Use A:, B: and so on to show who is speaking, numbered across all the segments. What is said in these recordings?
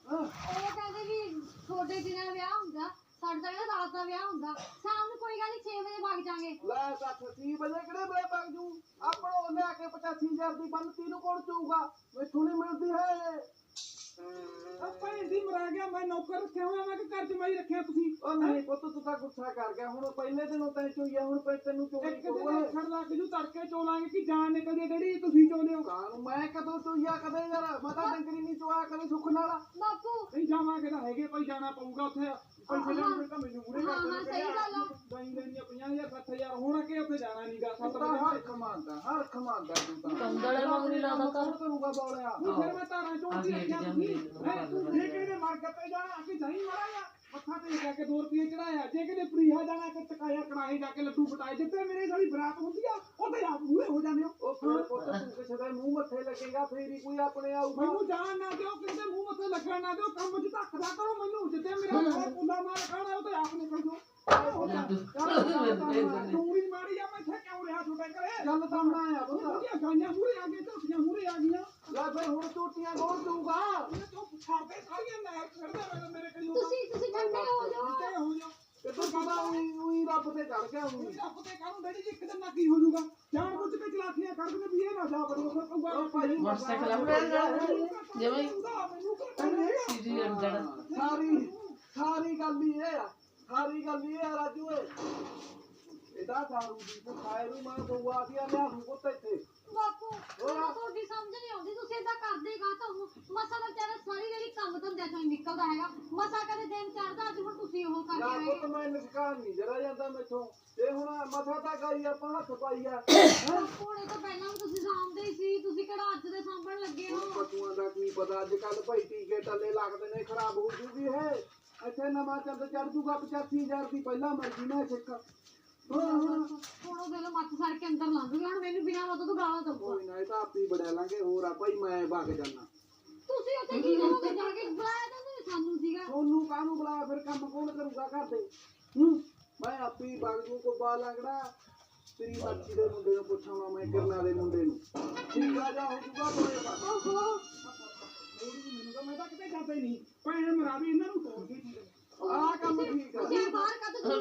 A: ਉਹ ਕਹਿੰਦੇ ਵੀ ਤੁਹਾਡੇ ਦਿਨਾਂ ਵਿਆਹ ਹੁੰਦਾ, ਸਾਡਾ ਕਹਿੰਦਾ ਰਾਤ ਦਾ ਵਿਆਹ ਹੁੰਦਾ। ਸ਼ਾਮ ਨੂੰ ਕੋਈ ਗੱਲ ਨਹੀਂ 6 ਵਜੇ ਵਗ ਜਾਾਂਗੇ।
B: ਲੈ ਕੱਖ 6 ਵਜੇ ਕਿਹੜੇ ਵੇਲੇ ਵਗ ਜੂ? ਆਪਣੋ ਲੈ ਕੇ 85,000 ਦੀ ਬੰਨ ਤੀਨੂੰ ਕੌਣ ਚੂਗਾ? ਮੈਥੋਂ ਨਹੀਂ ਮਿਲਦੀ ਹੈ।
C: ਆਪਾਂ ਇੰਦੀ ਮਰਾ ਗਿਆ। ਮੈਂ ਨੌਕਰ ਰੱਖਿਆ ਹੋਇਆ, ਮੈਂ ਕਿ ਘਰ ਜਮਾਈ ਰੱਖਿਆ ਤੁਸੀਂ?
B: ਉਹ ਨਹੀਂ ਪੁੱਤ ਤੂੰ ਤਾਂ ਗੁੱਸਾ ਕਰ ਗਿਆ। ਹੁਣ ਪਹਿਲੇ ਦਿਨੋਂ ਤੈਨੂੰ ਚੋਈਆ, ਹੁਣ ਤੈਨੂੰ ਚੋਈ
C: ਇੱਕ ਦਿਨ ਅੱਖਰ ਲੱਗ ਜੂ, ਤੜਕੇ ਚੋਲਾਂਗੇ ਕਿ ਜਾਨ ਨਿਕਲਦੀ ਹੈ ਜਿਹੜੀ ਤੁਸੀਂ ਚੋਲੇ ਹੋ।
B: ਕਾਨੂੰ ਮੈਂ ਕਦੋਂ ਚੋਈਆ ਕਦੇ ਯਾਰ? ਮੈਂ ਤਾਂ ਡੰਗਰੀ ਨਹੀਂ ਚੋਆ ਕਦੇ ਸੁੱਖ ਨਾਲ।
A: ਬਾਪੂ
C: ਨਹੀਂ ਜਾਵਾਂਗੇ ਤਾਂ ਹੈਗੇ ਭਾਈ, ਜਾਣਾ ਪਊਗਾ ਉੱਥੇ। ਪੈਸੇ ਲੈਣ ਤਾਂ ਮੈਨੂੰ ਮੂਰੇ ਕਰ
A: ਹਾਂ ਸਹੀ ਗੱਲ ਆ।
C: ਦਹੀਂ ਲੈਣੀ 50,000 60,000 ਹੋਣਾ ਕਿ ਉੱਥੇ ਜਾਣਾ ਨਹੀਂਗਾ। 7
B: ਤਾਂ
C: ਵਜੇ
B: ਹਰ ਖਮਾਂਦਾ ਤੂੰ ਤਾਂ
D: ਕੰਦੜੇ ਵਾਂਗ ਨਹੀਂ ਲਾਦਾ ਕਰ।
B: ਕਰੂਗਾ ਬੋਲਿਆ।
C: ਫਿਰ ਮੈਂ ਤਾਰਾਂ ਚੋਂਦੀ ਰੱਖਿਆ ਤੁਸੀਂ। ਤੂੰ ਜੇ ਕਿਹਦੇ ਮਰ ਗੱਪੇ ਜਾਣਾ ਕਿ ਜਾਈ ਮਾਰਾਂਗਾ। ਮੱਥਾ ਤੇ ਜਾ ਕੇ 2 ਰੁਪਏ ਚੜਾਇਆ। ਜੇ ਕਿਤੇ ਪ੍ਰੀਹਾ ਜਾਣਾ ਕਿ ਟਕਾਇਆ ਕੜਾਹੀ ਜਾ ਕੇ ਲੱਡੂ ਪਟਾਏ। ਜਿੱਥੇ ਮੇਰੇ ਸਾਡੀ ਬਰਾਤ ਹੁੰਦੀ ਆ ਉੱਥੇ ਆਪ ਮੂਹਰੇ ਹੋ ਜਾਂਦੇ ਹੋ।
B: ਉਹ ਫਿਰ ਪੁੱਤ ਤੂੰ ਕਿਸੇ ਦੇ ਮੂੰਹ ਮੱਥੇ ਲੱਗੇਗਾ ਫੇਰ ਹੀ ਕੋਈ ਆਪਣੇ ਆਊਗਾ।
C: ਮੈਨੂੰ ਜਾਣ ਨਾ ਦਿਓ, ਕਿਸੇ ਦੇ ਮੂੰਹ ਮੱਥੇ ਲੱਗਣ ਨਾ ਦਿਓ। ਕੰਮ 'ਚ ਧੱਕਦਾ ਕਰੋ ਮੈਨੂੰ। ਜਿੱਥੇ ਮੇਰਾ ਘਰ ਪੁੱਲਾ ਮਾਰ ਖਾਣਾ ਉਹ ਤੇ ਆਪ ਨਿਕਲ ਜਾਓ। ਤੂੰ ਵੀ ਮਾੜੀ ਆ। ਮੈਂ ਇੱਥੇ ਕਿਉਂ ਰਿਹਾ ਤੁਹਾਡੇ ਘਰੇ?
B: ਗੱਲ ਤਾਂ ਹੁਣ ਆਇਆ ਪੁੱਤ।
C: ਗਾਈਆਂ ਮੂਹਰੇ ਆ ਗਏ, ਝੋਟੀਆਂ ਮੂਹਰੇ ਆ ਗਈਆਂ।
B: ਲੈ ਫਿਰ ਹੁਣ ਝੂਟੀਆਂ ਕੌਣ ਦਊਗਾ?
C: ਤੂੰ ਛੱਡਦੇ ਸਾਰੀਆਂ ਨਹਿਰ ਛੱਡਦੇ ਮੇਰੇ ਕਰੀ।
A: ਤੁਸੀਂ ਠੰਡੇ ਹੋ ਜਾਓ।
C: ਹੋ ਜਾਓ
B: ਕਿੱਥੋਂ ਪਤਾ ਉਹੀ ਰੱਬ ਤੇ ਚੜ ਗਿਆ ਉਹੀ।
C: ਰੱਬ ਤੇ ਕਾਹਨੂੰ ਡੈਡੀ ਜੀ, ਇੱਕ ਦਿਨ ਨਾ ਕੀ ਹੋ ਜਾਊਗਾ। ਜਾਣ ਬੁੱਝ ਕੇ ਚਲਾਕੀਆਂ ਕਰ ਦਿੰਦੇ ਵੀ ਇਹ ਨਾ ਜਾ ਬੜੀ ਉਹ ਭਾਈ
D: ਮੋਟਰਸਾਈਕਲ ਆਪਣੇ ਜਿਵੇਂ ਸੀਡੀ ਅੰਦਰ
B: ਸਾਰੀ ਗੱਲ ਹੀ ਇਹ ਆ। ਸਾਰੀ ਗੱਲ ਹੀ ਇਹ ਆ ਰਾਜੂ ਏ। ਇਹਦਾ ਦਾਰੂ ਦੀ ਤੇ ਖਾਏ ਨੂੰ ਮੈਂ ਦਊਆ ਸੀ ਆ ਲਿਆ ਨੂੰ ਪੁੱਤ ਇੱਥੇ।
A: ਬਾਪੂ ਮੈਨੂੰ ਤੁਹਾਡੀ ਸਮਝ ਨਹੀਂ ਆਉਂਦੀ। ਤੁਸੀਂ ਏਦਾਂ ਕਰਦੇ ਗਾ ਤਾਂ ਮਸਾ ਦਾ ਵਿਚਾਰਾ ਸਾਰੀ ਜਿਹੜੀ ਕੰਮ ਧੰਦਿਆਂ ਚੋਂ ਨਿਕਲਦਾ ਹੈਗਾ। ਮਸਾ ਕਦੇ ਦਿਨ ਚੜਦਾ, ਅੱਜ ਹੁਣ ਤੁਸੀਂ ਉਹ
B: ਨਾ
A: ਕਰਕੇ
B: ਪੁੱਤ ਮੈਂ ਨਿਸ਼ਕਾਨ ਨਹੀਂ ਜਰਾ ਜਾਂਦਾ ਮੈਥੋਂ। ਤੇ ਹੁਣ ਮਥਾ ਤਾਂ ਗਈ ਆਪਾਂ ਹੱਥ ਪਾਈ ਆ।
A: ਹੁਣ ਇਹ ਤਾਂ ਪਹਿਲਾਂ ਵੀ ਤੁਸੀਂ ਸਾਂਭਦੇ ਹੀ ਸੀ। ਤੁਸੀਂ ਕਿਹੜਾ ਅੱਜ ਦੇ ਸਾਂਭਣ ਲੱਗੇ ਹੋ?
B: ਪਸ਼ੂਆਂ ਦਾ ਕੀ ਪਤਾ ਅੱਜ ਕੱਲ ਭਾਈ ਟੀਕੇ ਟੱਲੇ ਲੱਗਦੇ ਨੇ, ਖਰਾਬ ਹੋ ਜੂਗੀ ਹੈ। ਇੱਥੇ ਨਵਾਂ ਚੰਦ ਚੜ ਜੂਗਾ 85,000 ਦੀ ਪਹਿਲਾਂ ਮਰਜ਼ੀ ਨਾ ਸਿੱਖ।
A: ਹੁਣ ਉਹ ਦੇ ਲੋ ਮੱਥ ਸੜ ਕੇ ਅੰਦਰ ਲੰਘ ਗਿਆ। ਹੁਣ ਮੈਨੂੰ ਬਿਨਾਂ ਮਤੋਂ ਤੋਂ ਗਾਲਾਂ ਦਊਗਾ।
B: ਕੋਈ ਨਾ ਇਹ ਤਾਂ ਆਪੀ ਬੜਿਆ ਲਾਂਗੇ। ਹੋਰ ਆ ਭਾਈ ਮੈਂ ਵਗ ਜਾਣਾ।
A: ਤੁਸੀਂ ਉੱਥੇ ਕੀ ਕਰੋਗੇ ਜਾ ਕੇ? ਬੁਲਾਇਆ ਤਾਂ ਨਹੀਂ ਸਾਨੂੰ ਸੀਗਾ।
B: ਸੋਨੂੰ ਕਾਹਨੂੰ ਬੁਲਾਇਆ? ਫਿਰ ਕੰਮ ਕੌਣ ਕਰੂਗਾ ਘਰ ਦੇ? ਮੈਂ ਆਪੀ ਵਗ ਜੂ। ਕੋ ਬਾ ਲੰਗੜਾ ਤੇਰੀ ਮੱਛੀ ਦੇ ਮੁੰਡੇ ਨੂੰ ਪੁੱਛਾਂਗਾ ਮੈਂ, ਕਿਰਨਾ ਦੇ ਮੁੰਡੇ ਨੂੰ। ਠੀਕ ਆ ਜਾ ਹੋ ਜੂਗਾ ਬੜੇ ਬਾਤ।
C: ਮੈਨੂੰ ਤਾਂ ਮੈਂ ਤਾਂ ਕਿਤੇ ਜਾਂਦਾ ਹੀ ਨਹੀਂ। ਭੈਣ ਮਰਾ ਵੀ ਇਹਨਾਂ ਨੂੰ ਤੋੜ ਕੇ ਠੀਕ ਹੈ।
B: ਆਹ ਕੰਮ ਠੀਕ ਆ।
A: ਤੁਸੀਂ ਬਾਹਰ ਕੱਢ ਦੋ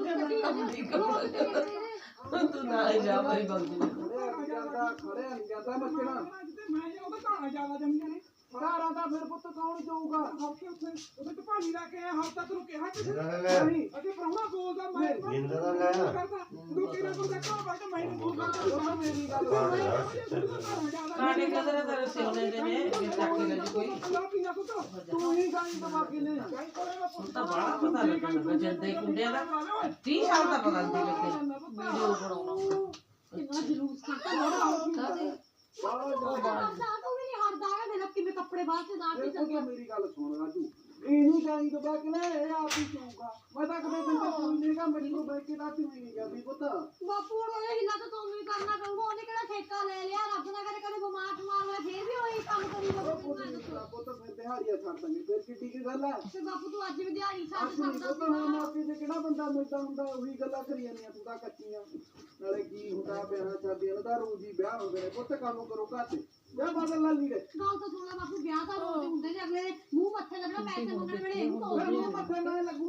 D: ਤੂੰ ਨਾ ਜਾ ਭਾਈ ਬੰਦੀ
B: ਖੜਿਆ ਨਹੀਂ ਜਾਂਦਾ ਮੱਛਣਾ।
C: ਮੈਂ ਜੇ ਉਹਦਾ ਘਾਣਾ ਜ਼ਿਆਦਾ ਜੰਮੀਆਂ ਨੇ।
B: ਘਰਾਂ ਦਾ ਫਿਰ ਪੁੱਤ ਕੌਣ ਜਾਊਗਾ?
C: ਹਫਤੇ ਉੱਥੇ ਢਪਾਲੀ ਲਾ ਕੇ ਆਇਆ। ਹਫਤਾ ਤੈਨੂੰ ਕਿਹਾ ਕਿਸੇ
B: ਨਹੀਂ
C: ਅਜੇ ਪ੍ਰਾਹੁਣਾ ਬੋਲਦਾ ਮੈਂ
E: ਜਿੰਦਾ ਦਾ ਲੈ
C: ਕਰਦਾ ਤੂੰ ਕਿਹੜਾ ਬੰਦਾ ਘਰ ਬੈਠ ਕੇ ਮੈਨੂੰ ਬੋਲ ਕਰਦਾ।
B: ਮੇਰੀ ਗੱਲ
D: ਕਾਣੇ ਕਦਰ ਤੇਰੇ ਸੋਨੇ ਦੇ ਨੇ ਕਿ ਚੱਕ ਕੇ ਲੈ ਕੋਈ
B: ਤੂੰ ਹੀ ਗਾਈ ਦਵਾਕੀ ਨੇ।
D: ਹੁਣ ਤਾਂ ਬੜਾ ਪਤਾ ਲੱਗਦਾ ਜੰਦੇ ਕੁੰਡਿਆਂ ਦਾ 30 ਸਾਲ ਦਾ ਪਤਾ ਨਹੀਂ ਲੱਗੇ ਵੀਡੀਓ ਬਣਾਉਣਾ
A: ਕਿੰਨਾ ਜਲੂਸ ਕਰਦਾ ਬੜਾ
D: ਕਾਹਦੇ
A: ਤੂੰ ਵੀ ਨਹੀਂ ਹਟਦਾ ਹੈਗਾ। ਮੇਰਾ ਕਿਵੇਂ ਕੱਪੜੇ ਬਾਹਰ ਤੇ ਨਾ ਕੇ ਚੱਲ ਗਿਆ।
B: ਮੇਰੀ ਗੱਲ ਸੁਣ ਰਾਜੂ, ਇਹਨੂੰ ਗਾਈ ਦਵਾਕੀ ਨੇ ਇਹ ਆਪ ਹੀ ਚਾਹੂਗਾ। ਮੈਂ ਤਾਂ ਕਦੇ ਬੰਦਾ ਕੋਈ ਨਹੀਂਗਾ। ਮੇਰੇ ਕੋਲ ਬੈਠ ਕੇ ਰਾਤ ਵੀ ਨਹੀਂ ਜਾਂਦੀ ਪੁੱਤ।
A: ਬਾਪੂ ਹੁਣ ਉਹਦੇ ਹਿੱਲਾ ਤਾਂ ਤੁਹਾਨੂੰ ਹੀ ਕਰਨਾ ਪਊਗਾ। ਉਹਨੇ ਕਿਹੜਾ ਠੇਕਾ ਲੈ ਲਿਆ? ਰੱਬ ਨਾ ਕਰੇ ਕਦੇ ਬਿਮਾਰ ਹੋਇਆ ਫੇਰ ਵੀ ਉਹੀ ਕੰਮ ਕਰੀ ਜਾਊਗਾ।
B: ਪੁੱਤ ਫਿਰ ਦਿਹਾੜੀਆਂ ਛੱਡ ਦਾਂਗੇ। ਫਿਰ ਕਿੱਡੀ ਕੀ ਗੱਲ ਹੈ?
A: ਤੇ ਬਾਪੂ ਤੂੰ ਅੱਜ ਵੀ ਦਿਹਾੜੀ ਛੱਡ
B: ਅਸੀਂ
A: ਸਕਦਾ
B: ਪੁੱਤ ਹੁਣ ਮਾਪੇ ਤੇ ਕਿਹੜਾ ਬੰਦਾ ਮਿਲਦਾ ਹੁੰਦਾ? ਉਹੀ ਗੱਲਾਂ ਕਰੀ ਜਾਂਦੀਆਂ ਤੂੰ ਤਾਂ ਕੱਚੀਆਂ। ਨਾਲੇ ਕੀ ਹੁੰਦਾ ਵਿਆਹ ਸ਼ਾਦੀਆਂ ਦਾ ਰੋਜ਼ ਹੀ ਵਿਆਹ ਹੁੰਦੇ ਨੇ ਪੁੱਤ। ਕੰਮ ਕਰੋ ਘਰ ਤੇ ਜਾਂ ਬਦਲ ਲਾ ਲੀੜੇ।
A: ਗੱਲ ਤਾਂ ਸੁਣ ਲੈ ਬਾਪੂ। ਵਿਆਹ ਤਾਂ ਰੋਜ਼ ਹੁੰਦੇ ਨੇ। ਅਗਲੇ ਦੇ ਮੂੰਹ ਮੱਥੇ ਲੱਗਣਾ, ਪੈਸੇ ਮੰਗਣ ਵੇਲੇ ਇਹਨੂੰ
B: ਮੂੰਹ ਮੱਥੇ ਨਾਲ ਲੱਗੂ।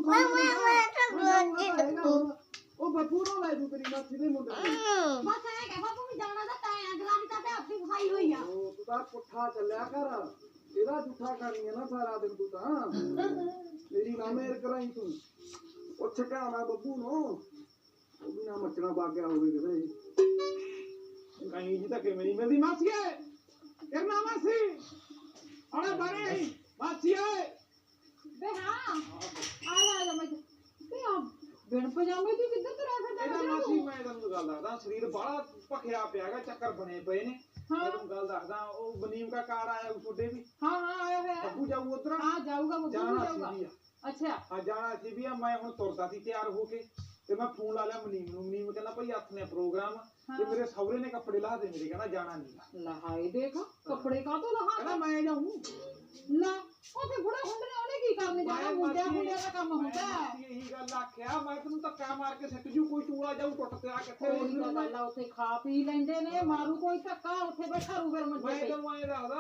B: ਉਹ ਬੱਬੂ ਨੂੰ ਲੈ ਜੂ ਤੇਰੀ ਮਾਸੀ ਦੇ ਮੁੰਡੇ ਨੂੰ।
A: ਬਸ ਐ ਕਹਿ ਬਾਪੂ ਵੀ ਜਾਣਾ ਤਾਂ ਤੈਂ ਅਗਲਾ ਵੀ ਤਾਂ ਤੇ ਆਪਣੀ ਖਾਈ ਹੋਈ ਆ।
B: ਉਹ ਤੂੰ ਤਾਂ ਪੁੱਠਾ ਚੱਲਿਆ ਕਰ। ਇਹਦਾ ਝੂਠਾ ਕਰਨੀ ਹੈ ਨਾ ਸਾਰਾ ਦਿਨ ਤੂੰ ਤਾਂ। ਮੇਰੀ ਨਾ ਮੇਰ ਕਰਾਈ ਤੂੰ। ਉਹ ਛਕਾਣਾ ਬੱਬੂ ਨੂੰ। ਉਹ ਵੀ ਨਾ ਮੱਚਣਾ ਬਾਗਿਆ ਹੋਵੇ ਕਿਤੇ।
C: ਕਹੀਂ ਜੀ ਤਾਂ ਕਿਵੇਂ ਨਹੀਂ ਮਿਲਦੀ। ਮਾਸੀਏ ਕਰਨਾ ਮਾਸੀ ਆਣਾ ਬਾਰੇ ਮਾਸੀਏ
A: ਵੇ ਹਾਂ ਆ ਲੈ ਮੈਂ ਤੇ ਆ ਬਿਨ ਪਜਾਮੇ ਦੀ ਕਿੱਧਰ ਤੁਰਿਆ ਫਿਰਦਾ?
C: ਇਹਦਾ ਮਾਸੀ ਮੈਂ ਤੈਨੂੰ ਗੱਲ ਦੱਸਦਾ। ਸਰੀਰ ਬਾਹਲਾ ਭਖਿਆ ਪਿਆਗਾ, ਚੱਕਰ ਬਣੇ ਪਏ ਨੇ। ਮੈਂ ਤੈਨੂੰ ਗੱਲ ਦੱਸਦਾ। ਉਹ ਬਨੀਮ ਦਾ ਕਾਰਡ ਆਇਆ ਛੋਟੇ ਵੀ।
A: ਹਾਂ ਆਇਆ ਹੋਇਆ।
C: ਬੱਬੂ ਜਾਊ ਉਧਰ।
A: ਹਾਂ ਜਾਊਗਾ ਬੱਬੂ
C: ਜਾਣਾ
A: ਜਾਊਗਾ।
C: ਸੀ ਵੀ
A: ਅੱਛਾ
C: ਆ ਜਾਣਾ ਸੀ ਵੀ ਆ। ਮੈਂ ਹੁਣ ਤੁਰਦਾ ਸੀ ਤਿਆਰ ਹੋ ਕੇ ਤੇ ਮੈਂ ਫੋਨ ਲਾ ਲਿਆ ਮਨੀਮ ਨੂੰ। ਮਨੀਮ ਕਹਿੰਦਾ ਭਾਈ ਹੱਥ ਨੇ ਪ੍ਰੋਗਰਾਮ ਤੇ ਮੇਰੇ ਸਹੁਰੇ ਨੇ ਕੱਪੜੇ ਲਾ ਦੇ ਮੇਰੇ। ਕਹਿੰਦਾ ਜਾਣਾ ਨਹੀਂ।
A: ਲਹਾਈ ਦੇਖ ਕੱਪੜੇ ਕਾ ਤੋਂ ਲਹਾ
C: ਕਹਿੰਦਾ ਮੈਂ ਜਾਊਂ।
A: ਲਾ ਉਹ ਤੇ ਬੁੜਾ ਹੁੰਦੇ ਨੇ। ਉਹਨੇ ਕੀ ਕਰਨੇ ਜਾਣਾ? ਮੁੰਡਿਆਂ ਦਾ ਕੰਮ ਹੁੰਦਾ ਹੈ।
C: ਇਹੀ ਗੱਲ ਆਖਿਆ ਮੈਂ ਤੈਨੂੰ ਧੱਕਾ ਮਾਰ ਕੇ ਸਿੱਟ ਜੂ। ਕੋਈ ਟੂਲਾ ਜਾਊ ਟੁੱਟ ਪਿਆ ਕਿੱਥੇ।
A: ਉਹੀ ਤਾਂ ਗੱਲ ਆ। ਉੱਥੇ ਖਾ ਪੀ ਲੈਂਦੇ ਨੇ। ਮਾਰੂ ਕੋਈ ਧੱਕਾ ਉੱਥੇ ਬੈਠਾ ਰੂ ਫਿਰ ਮੰਜੇ
C: ਮੈਂ
A: ਤੇ।
C: ਤੈਨੂੰ ਐਂ ਦੱਸਦਾ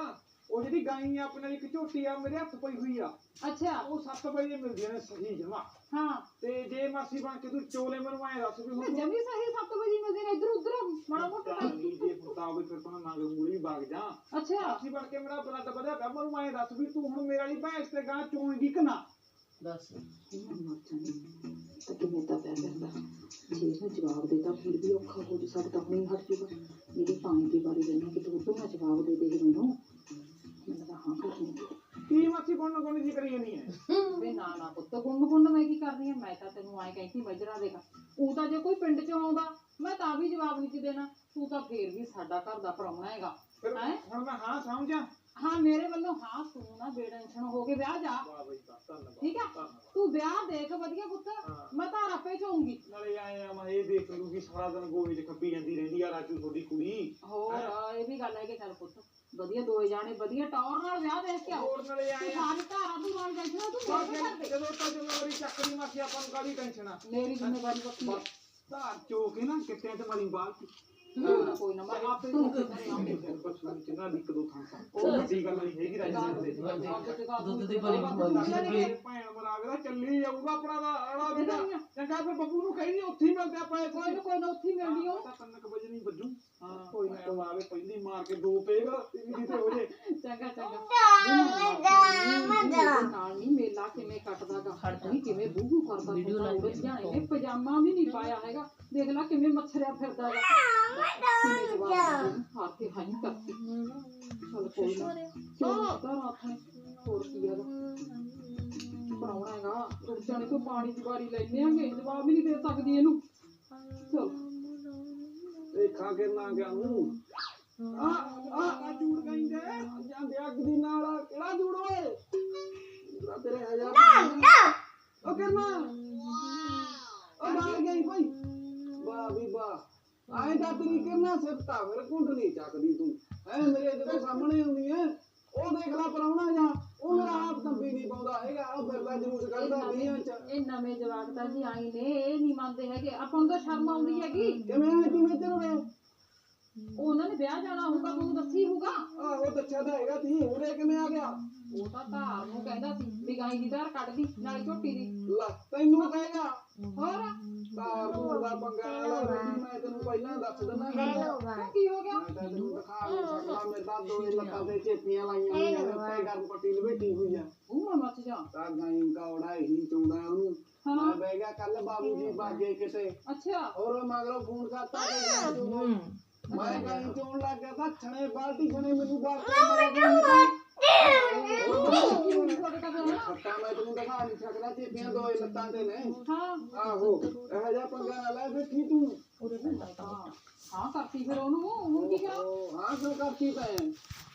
C: ਉਹ ਜਿਹੜੀ ਗਾਈ ਆ ਆਪਣੇ ਨਾਲ ਇੱਕ ਝੋਟੀ ਆ ਮੇਰੇ ਹੱਥ ਪਈ ਹੋਈ ਆ
A: ਅੱਛਾ
C: ਉਹ 7 ਵਜੇ ਮਿਲਦੀਆਂ ਨੇ ਸਹੀ ਜਮਾ
A: ਹਾਂ
C: ਤੇ ਜੇ ਮਾਸੀ ਬਣ ਕੇ ਤੂੰ ਚੋਲੇ ਮੈਨੂੰ ਐ ਦੱਸ ਵੀ ਹੁਣ
A: ਜਮੀ ਸਹੀ 7 ਵਜੇ ਮਿਲਦੇ ਨੇ ਇੱਧਰ ਉੱਧਰ ਮਾੜਾ ਮੋਟਾ ਟਾਈਮ।
C: ਜੇ ਪੁੱਤਾ ਹੋਵੇ ਫਿਰ ਤਾਂ ਮੈਂ ਮਗਰ ਮੂਲੀ ਬਾਗ ਜਾ
A: ਅੱਛਾ
C: ਮਾਸੀ ਬਣ ਕੇ ਮੇਰਾ ਬਲੱਡ ਵਧਿਆ ਪਿਆ ਮੈਨੂੰ ਐ ਦੱਸ ਵੀ ਤੂੰ ਹੁਣ ਮੇਰੇ ਵਾਲੀ ਭੈਂਸ ਤੇ ਗਾਂ ਚੋਣਗੀ ਕਿ ਨਾ
D: ਦੱਸ
E: ਤਾਂ ਕਿਵੇਂ ਤਾਂ ਪਿਆ ਕਰਦਾ ਜੇ ਇਹਨੂੰ ਜਵਾਬ ਦੇਤਾ ਫਿਰ ਵੀ ਔਖਾ ਹੋ ਜਾ ਸਕਦਾ ਹੁਣੇ ਹਟ ਜੂਗਾ ਮੇਰੀ ਪਾਣੀ ਦੀ ਵਾਰੀ ਲੈਣਾ ਕਿ ਤੂੰ ਨਾ ਜਵਾਬ ਦੇ ਦੇ ਮੈਨੂੰ ਤਾਂ ਹਾਂ ਕਰਨੀ
C: ਕੀ ਮਾਸੀ ਕੋਣ ਕੋਣ ਜੀ ਕਰੀ ਜਾਨੀ ਹੈ
A: ਵੇ ਨਾ ਨਾ ਪੁੱਤ ਗੁੰਨ ਮੈਂ ਕੀ ਕਰਨੀ ਆ ਮੈਂ ਤਾਂ ਤੈਨੂੰ ਐਂ ਕਹਿੰਦੀ ਮਜਰਾ ਦੇਗਾ ਉਹ ਤਾਂ ਜੇ ਕੋਈ ਪਿੰਡ ਚੋਂ ਆਉਂਦਾ ਮੈਂ ਤਾਂ ਵੀ ਜਵਾਬ ਨਹੀਂ ਦੇਣਾ ਤੂੰ ਤਾਂ ਫੇਰ ਵੀ ਸਾਡਾ ਘਰ ਦਾ ਪ੍ਰਾਹੁਣਾ ਹੈਗਾ
C: ਫਿਰ
A: ਹੈਂ?
C: ਹੁਣ ਮੈਂ ਹਾਂ ਸਮਝਾਂ
A: ਹਾਂ ਮੇਰੇ ਵੱਲੋਂ ਹਾਂ ਤੂੰ ਨਾ ਬੇਟੈਨਸ਼ਨ ਹੋ ਕੇ ਵਿਆਹ ਜਾ
C: ਵਾਹ ਬਈ ਵਾਹ, ਧੰਨਵਾਦ
A: ਠੀਕ ਆ
C: ਧੰਨਵਾਦ।
A: ਤੂੰ ਵਿਆਹ ਦੇਖ ਵਧੀਆ ਪੁੱਤ
C: ਹਾਂ।
A: ਮੈਂ ਤਾਂ ਆਪੇ ਚਾਹੂੰਗੀ
C: ਨਾਲੇ ਆਏ ਆ ਮੈਂ ਇਹ ਦੇਖ ਲੂਗੀ ਸਾਰਾ ਦਿਨ ਗੋਹੇ 'ਚ ਖੱਪੀ ਜਾਂਦੀ ਰਹਿੰਦੀ ਆ ਰਾਜੂ ਤੁਹਾਡੀ ਕੁੜੀ
A: ਹੋਰ ਇਹ ਵੀ ਗੱਲ ਹੈ ਕਿ ਚੱਲ ਪੁੱਤ ਵਧੀਆ ਦੋਏ ਜਾਣੇ ਵਧੀਆ ਟੌਰ ਨਾਲ ਵਿਆਹ ਦੇਖ ਕੇ ਆਓ
C: ਹੋਰ ਨਾਲੇ
A: ਤੂੰ
C: ਆਏ ਆ
A: ਸਾਰੀ ਧਾਰਾਂ ਤੂੰ ਨਾਲ ਟੈਨਸ਼ਨ ਤੂੰ ਦੇਖ ਕਰਦੇ
C: ਜਦੋਂ ਤਾਂ ਜ਼ਿੰਮੇਵਾਰੀ ਚੱਕਰੀ ਮਾਸੀ ਆਪਾਂ ਨੂੰ ਕਾਹਦੀ ਟੈਨਸ਼ਨ ਆ
A: ਮੇਰੀ ਜ਼ਿੰਮੇਵਾਰੀ ਵੱਖਰੀ ਹੈ
C: ਧਾਰ ਚੋ ਕੇ ਨਾ ਕਿੱਤਿਆਂ 'ਚ ਮਾਰੀ ਬਾਲ
A: ਕੋਈ ਨਾ ਮੈਂ ਆਪੇ ਤੂੰ ਕਰੇ ਆਉਂਗੀ
C: ਪਛੂਣ ਚ ਨਾ ਇੱਕ ਦੋ ਥਾਂ ਉਹ ਵੱਡੀ ਗੱਲ ਨਹੀਂ ਹੈਗੀ ਰਾਜੂ ਦੇ
D: ਦੁੱਧ ਦੀ ਭਰੀ ਖਵਾਈ ਲੱਗੇ
C: ਭੈਣ ਮਰਾਗ ਦਾ ਚੱਲੀ ਜਾਊਗਾ ਆਪਣਾ ਦਾ ਆੜਾ ਵੀ ਨਾ ਚੰਗਾ ਫਿਰ ਬੱਬੂ ਨੂੰ ਕਹੀ ਉੱਥੇ ਹੀ ਮਿਲਦੇ ਆਪਾਂ
A: ਕੋਈ ਨਾ ਕੋਈ ਨਾ ਉੱਥੇ ਹੀ ਮਿਲਣੀ ਹੋ
C: ਤਾਂ 3 ਵਜੇ ਨਹੀਂ ਵੱਜੂ
A: ਹਾਂ
C: ਕੋਈ ਨਾ ਆਵੇ ਪਹਿਲੀ ਮਾਰ ਕੇ ਦੋ ਪੇਗ ਤੀਜੀ ਤੇ ਹੋ ਜੇ
A: ਚੰਗਾ ਚੰਗਾ ਨਾਲ ਨਹੀਂ ਮੇਲਾ ਕਿਵੇਂ ਕੱਟਦਾਗਾ ਨਹੀਂ ਕਿਵੇਂ ਬੂਹੂ ਕਰਦਾ
D: ਵੀਡੀਓ ਲਾ ਕੇ
A: ਜਾਣੇ ਨੇ ਪਜਾਮਾ ਵੀ ਨਹੀਂ ਪਾਇਆ ਹੈਗਾ ਦੇਖ ਲੈ ਕਿਵੇਂ ਮੱਛਰਿਆ ਫਿਰਦਾ ਹੈਗਾ ਕਿਵੇਂ ਜਵਾਬ ਹਾਰ ਕੇ ਹਾਈ ਕਰਤੀ ਚਲ ਕੋਈ ਨਾ ਕਿਉਂ ਤਾਂ ਰਾਤ ਨੇ ਹੋਰ ਕੀ ਹੈਗਾ ਪ੍ਰਾਹੁਣਾ ਹੈਗਾ ਰੁਕ ਜਾਣੇ ਤੋਂ ਪਾਣੀ ਦੀ ਵਾਰੀ ਲੈਣੇ ਆਂਗੇ ਜਵਾਬ ਵੀ ਨਹੀਂ ਦੇ ਸਕਦੀ ਇਹਨੂੰ ਚਲ
B: ਦੇਖਾਂ ਕਿੰਨਾ ਗਿਆ ਨੂੰ ਆ ਜੂੜ ਕਹਿੰਦੇ ਜਾਂਦੇ ਅੱਗ ਦੀ ਨਾਲ ਕਿਹੜਾ ਜੂੜ ਓਏ ਜੂੜਾ ਤੇਰੇ ਹਜ਼ਾਰ ਉਹ ਕਿੰਨਾ ਉਹ ਮਾਰ ਗਈ ਭਾਈ ਵਾਹ ਵੀ ਵਾਹ ਆਏ ਤਾਂ ਤੇਰੀ ਕਿੰਨਾ ਸਿਫਤਾ ਫਿਰ ਕੁੰਡ ਨਹੀਂ ਚੱਕਦੀ ਤੂੰ ਐ ਮੇਰੇ ਜਦੋਂ ਸਾਹਮਣੇ ਆਉਂਦੀ ਐ ਉਹ ਦੇਖ ਲੈ ਪਰਾਉਣਾ ਜਾਂ ਉਹ ਮੇਰਾ ਆਪ ਤੰਬੀ ਨਹੀਂ ਪਾਉਂਦਾ ਹੈਗਾ ਉਹ ਫਿਰਦਾ ਜਲੂਸ ਕੱਢਦਾ ਵੀਆਂ ਚ
A: ਇਹ ਨਵੇਂ ਜਵਾਕ ਤਾਂ ਜੀ ਆਈ ਨੇ ਇਹ ਨਹੀਂ ਮੰਨਦੇ ਹੈਗੇ ਆਪਾਂ ਨੂੰ ਤਾਂ ਸ਼ਰਮ ਆਉਂਦੀ ਹੈਗੀ
B: ਕਿਵੇਂ ਆਏ ਤੂੰ ਇੱਧਰ ਵੇ
A: ਉਹਨਾਂ ਨੇ ਵਿਆਹ ਜਾਣਾ ਹੋਊਗਾ ਤੁਹਾਨੂੰ ਦੱਸੀ ਹੋਊਗਾ
B: ਆਹੋ ਦੱਸਿਆ ਤਾਂ ਹੈਗਾ ਤੀ ਉਰੇ ਕਿਵੇਂ ਆ ਗਿਆ
A: ਉਹ ਤਾਂ ਧਾਰ ਨੂੰ ਕਹਿੰਦਾ ਸੀ ਵੀ ਗਾਈ ਦੀ ਧਾਰ ਕੱਢ ਦੀ ਨਾਲੇ ਝੋਟੀ ਦੀ
B: ਲੈ ਤੈਨੂੰ ਕਹੇਗਾ
A: ਹੋਰ
B: ਤਾਂ ਤੂੰ ਦਾ ਪੰਗਾ ਲੈ ਰਹੀ ਮੈਂ ਤੈਨੂੰ ਪਹਿਲਾਂ ਦੱਸ ਦਿੰਦਾ ਗੱਲ
A: ਕੀ ਹੋ ਗਿਆ
B: ਮੈਂ ਤਾਂ ਤੈਨੂੰ ਦਿਖਾ ਨਹੀਂ ਸਕਦਾ ਮੇਰੇ ਤਾਂ ਦੋ ਲੱਤਾਂ ਤੇ ਚੇਪੀਆਂ ਲਾਈਆਂ ਹੋਈਆਂ ਨੇ ਤੇ ਗਰਮ ਪੱਟੀ ਲਵੇਟੀ ਹੋਈ ਆ
A: ਉਹ ਮੈਂ ਮੱਚ ਜਾ
B: ਤਾਂ ਗਾਈਂ ਕੌੜਾ ਹੀ ਚੁੰਦਾ ਉਹਨੂੰ
A: ਹਾਂ।
B: ਮੈਂ ਬਹਿ ਗਿਆ ਕੱਲ ਬਾਬੂ ਜੀ ਬਾਗੇ ਕਿਤੇ
A: ਅੱਛਾ
B: ਔਰ ਮਗਰੋਂ ਫੋਨ ਕਰਤਾ ਕਿ ਮੈਂ ਗਾਈਂ ਚੋਣ ਲੱਗ ਗਿਆ ਤਾਂ ਛਣੇ ਬਾਲਟੀ ਛਣੇ ਮੈਨੂੰ ਬਾਹਰ
A: ਤੁਹਾਡੇ ਕੋਲ ਹੋਣਾ?
B: ਖੱਟਾ ਮੈਂ ਤੈਨੂੰ ਦਿਖਾ ਨਹੀਂ ਸਕਦਾ ਚੇਪੀਆਂ ਦੋ ਲੱਤਾਂ ਤੇ ਨੇ
A: ਹਾਂ
B: ਆਹੋ ਇਹੋ ਜਿਹਾ ਪੰਗਾ ਨਾ ਲੈ ਬੈਠੀ ਤੂੰ
A: ਹਾਂ ਕਰਤੀ ਫਿਰ ਉਹਨੂੰ ਹੁਣ ਕੀ ਕਰਾਂ
B: ਹਾਂ ਕਿਉਂ ਕਰਤੀ ਤੈਂ